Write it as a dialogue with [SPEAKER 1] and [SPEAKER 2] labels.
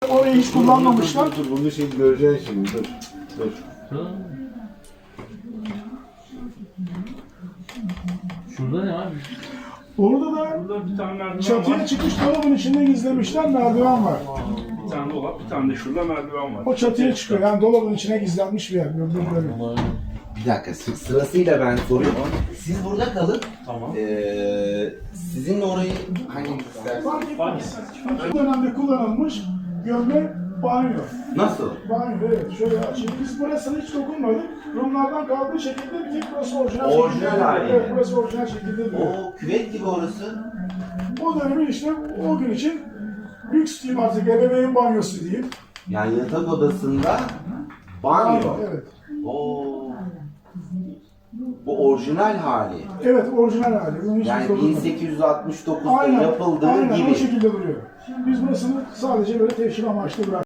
[SPEAKER 1] orayı hiç kullanmamışlar.
[SPEAKER 2] Dur, bunu şimdi göreceksin şimdi. Dur.
[SPEAKER 3] Şurada ne abi?
[SPEAKER 1] Orada da
[SPEAKER 4] Burada bir tane merdiven
[SPEAKER 1] çatıya
[SPEAKER 4] var.
[SPEAKER 1] çıkış dolabın içinde gizlemişler, merdiven var.
[SPEAKER 4] Bir tane dolap, bir tane de şurada merdiven var.
[SPEAKER 1] O çatıya çıkıyor, yani dolabın içine gizlenmiş bir yer. Böyle.
[SPEAKER 5] Bir dakika sırasıyla ben soruyorum. Siz burada kalın.
[SPEAKER 4] Tamam.
[SPEAKER 5] Sizinle orayı hangi isterseniz.
[SPEAKER 1] Fark etmez. Bu dönemde kullanılmış gömme banyo.
[SPEAKER 5] Nasıl?
[SPEAKER 1] Banyo, evet. Şöyle açayım. Biz burasını hiç dokunmadık. Rumlardan kaldığı şekilde bir tek burası orijinal
[SPEAKER 5] Orijinal
[SPEAKER 1] şekilde.
[SPEAKER 5] hali.
[SPEAKER 1] Evet, burası orijinal şekilde duruyor.
[SPEAKER 5] O küvet gibi orası.
[SPEAKER 1] O dönemin işte o gün için lüks diyeyim artık, ebeveyn banyosu diyeyim.
[SPEAKER 5] Yani yatak odasında banyo.
[SPEAKER 1] Evet.
[SPEAKER 5] Oo. Bu orijinal hali.
[SPEAKER 1] Evet, orijinal hali. Bunu hiç
[SPEAKER 5] Yani
[SPEAKER 1] dokunmadık.
[SPEAKER 5] 1869'da yapıldığı
[SPEAKER 1] aynen
[SPEAKER 5] gibi.
[SPEAKER 1] o şekilde duruyor. Biz burasını sadece böyle teşhir amaçlı bıraktık.